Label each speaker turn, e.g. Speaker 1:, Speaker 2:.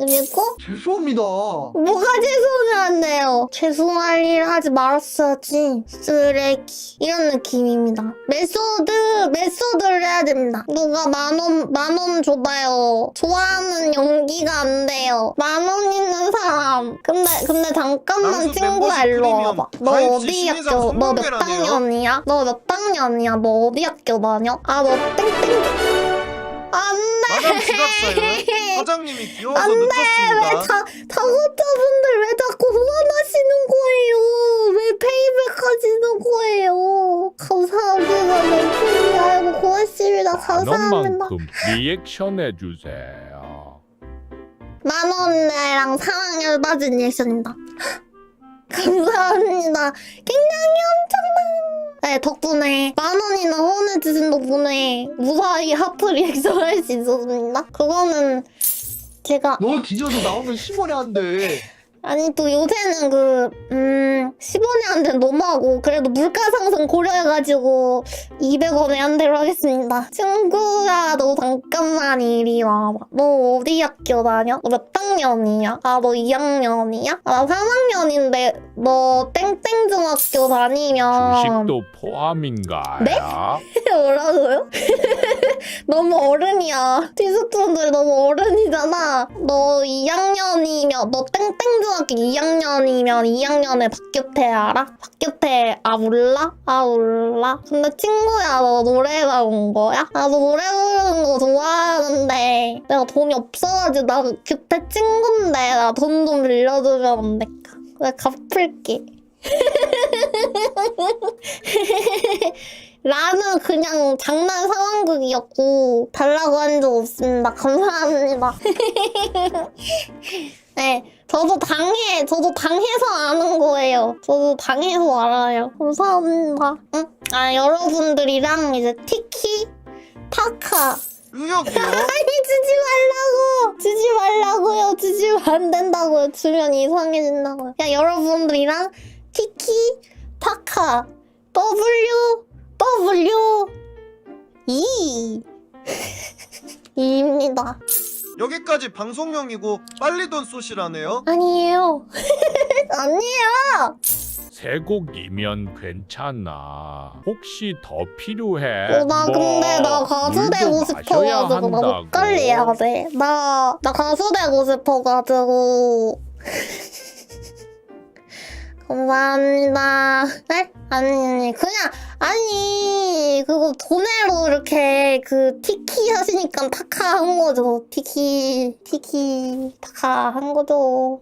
Speaker 1: 그리고
Speaker 2: 죄송합니다.
Speaker 1: 뭐가 죄송을 한대요. 죄송할 일 하지 말았어야지. 쓰레기. 이런 느낌입니다. 메소드를 해야 됩니다. 누가 만 원 줘봐요. 좋아하는 연기가 안 돼요. 10,000원 있는 사람. 근데 잠깐만
Speaker 2: 낭수
Speaker 1: 친구야
Speaker 2: 멤버십
Speaker 1: 일로
Speaker 2: 프리미엄
Speaker 1: 와봐. 너
Speaker 2: 가입 시
Speaker 1: 어디
Speaker 2: 신인상
Speaker 1: 학교? 너 몇
Speaker 2: 성공개라네요.
Speaker 1: 학년이야? 너 몇 학년이야? 너 어디 학교 다녀? 아 너 땡땡.
Speaker 2: 마담 지갑사연 사장님이 귀여워서
Speaker 1: 왜
Speaker 2: 늦었습니다.
Speaker 1: 작업자분들 왜 자꾸 후원하시는 거예요? 왜 페이백 하시는 거예요? 감사합니다. 몇 아이고 고맙습니다. 감사합니다.
Speaker 3: 만원만큼 리액션 해주세요.
Speaker 1: 10,000원이랑 사랑 열받은 리액션입니다. 감사합니다. 굉장히 엄청난. 네, 덕분에 10,000원이나 후원해주신 덕분에 무사히 하프 리액션 할 수 있었습니다. 그거는 제가
Speaker 2: 너 뒤져서 나오면 10원이 안 돼.
Speaker 1: 아니 또 요새는 10원에 한 대는 너무하고 그래도 물가 상승 고려해가지고 200원에 한 대로 하겠습니다. 친구야 너 잠깐만 이리 와봐. 너 어디 학교 다녀? 너 몇 학년이야? 아 너 2학년이야? 아 나 3학년인데 너 땡땡중학교 다니면
Speaker 3: 주식도 포함인가요?
Speaker 1: 네? 뭐라고요? 너무 어른이야. 디스톤들 너무 어른이잖아. 너 2학년이면 너 땡땡중학교 2학년이면 2학년에 박규태 알아? 박규태 몰라? 몰라? 근데 친구야 너 노래가 온 거야? 너 노래 부르는 거 좋아하는데 내가 돈이 없어가지고 나 규태 친구인데 나 돈 좀 빌려주면 안 될까? 내가 갚을게. 나는 그냥 장난 상황극이었고 달라고 한 적 없습니다. 감사합니다. 네, 저도 당해서 아는 거예요. 저도 당해서 알아요. 감사합니다. 응? 여러분들이랑 이제 티키, 타카.
Speaker 2: 의욕이요?
Speaker 1: 아니, 주지 말라고요. 주시면 안 된다고요. 주면 이상해진다고요. 야, 여러분들이랑 티키, 타카, 이입니다.
Speaker 2: 여기까지 방송용이고 빨리 돈 쏘시라네요.
Speaker 1: 아니에요. 아니에요.
Speaker 3: 세 곡이면 괜찮아. 혹시 더 필요해?
Speaker 1: 나 근데 나 가수 되고
Speaker 3: 물도 마셔야
Speaker 1: 싶어가지고 나
Speaker 3: 한다고.
Speaker 1: 목걸이 해야 돼. 나 가수 되고 싶어가지고. 감사합니다. 네? 아니 그거 돈으로 이렇게 티키 하시니까 타카 한 거죠. 티키 타카 한 거죠.